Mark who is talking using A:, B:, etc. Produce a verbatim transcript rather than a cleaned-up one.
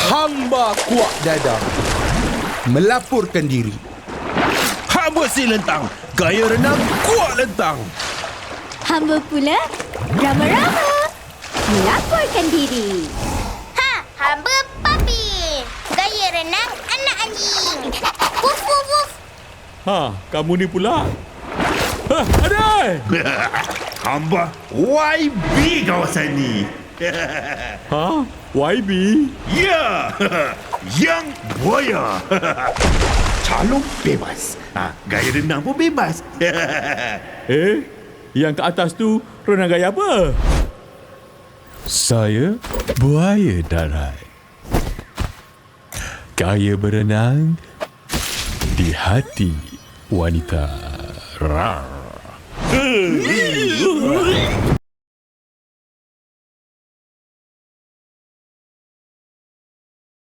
A: Hamba kuat dada melaporkan diri. Hamba si lentang, gaya renang kuat lentang.
B: Hamba pula Rama-Rama melaporkan diri.
C: Ha, hamba Papi. Gaya renang anak anjing. Wuf, wuf, wuf.
D: Ha, kamu ni pula. Ha, ada.
E: Hamba Y B kawasan ni.
D: Ha, Y B.
E: Ya, yang buaya. Calon bebas. Ha, gaya renang pun bebas.
D: Eh, yang ke atas tu renang gaya apa?
F: Saya buaya darat. Gaya berenang di hati wanita. Rar.